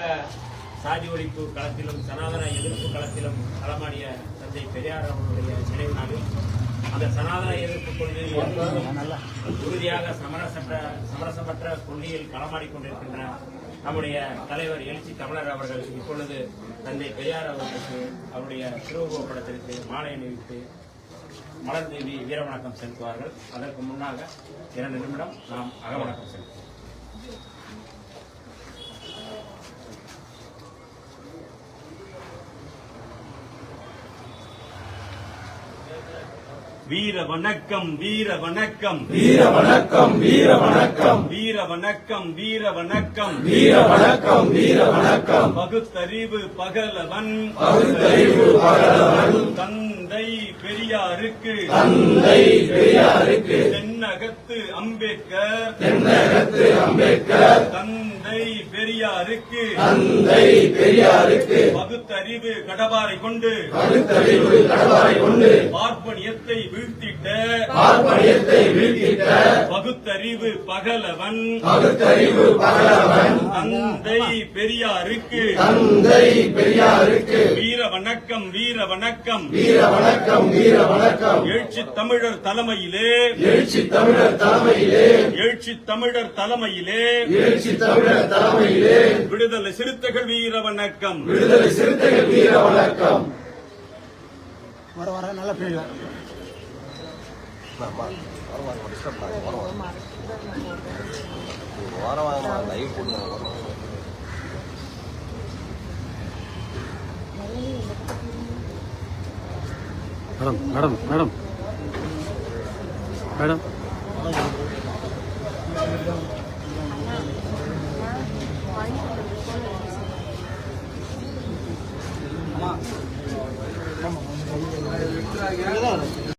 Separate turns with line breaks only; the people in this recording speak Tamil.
சாதி ஒழிப்பு களத்திலும் சனாதன எதிர்ப்பு களத்திலும் களமாடிய தந்தை பெரியார் அவர்களுடைய நினைவு நாளில் அந்த சனாதன எதிர்ப்பு கொள்கையில் உறுதியாக சமரசமற்ற கொள்கையில் களமாடிக்கொண்டிருக்கின்ற நம்முடைய தலைவர் எழுச்சி தமிழர் அவர்கள் இப்பொழுது தந்தை பெரியார் அவர்களுக்கு அவருடைய திருவுருவப் படத்திற்கு மாலை அணிவித்து மலர் தேவி வீரவணக்கம் செலுத்துவார்கள். அதற்கு முன்னாக 2 நிமிடம் நாம் அகவணக்கம் செலுத்துவோம். வீர வணக்கம் வீர வணக்கம்
வீர வணக்கம் வீர வணக்கம்
வீர வணக்கம் வீர வணக்கம்
வீர வணக்கம் வீர வணக்கம்
பகுத்தறிவு பகலவன்
பகுத்தறிவு பகலவன்
தந்தை பெரியாருக்கு
தந்தை பெரியாருக்கு
தென்னகத்து அம்பேத்கர்
தென்னகத்து அம்பேத்கர்
தந்தை பெரியாருக்கு
தந்தை பெரியாருக்கு
பகுத்தறிவு கடபாரை கொண்டு
பகுத்தறிவு கடவாரை கொண்டு
பார்ப்பனியத்தை வீழ்த்திட்ட பகுத்தறிவு பகலவன்
பகுத்தறிவு பகலவன்
தந்தை பெரியாருக்கு
தந்தை பெரியாருக்கு
வீர வணக்கம் வீர வணக்கம்
வீர வணக்கம் வீர வணக்கம்
எழுச்சி தமிழர் தலைமையிலே
எழுச்சி தமிழர் தலைமையிலே
எழுச்சி தமிழர் தலைமையிலே
எழுச்சி தமிழர் தலைமையிலே
விடுதலை சிறுத்தைகள் வீர வணக்கம்
விடுதலை சிறுத்தைகள் வீர வணக்கம்.
வர நல்ல பிள்ளை மேடம் மேடம் மேடம் மேடம் ஆமா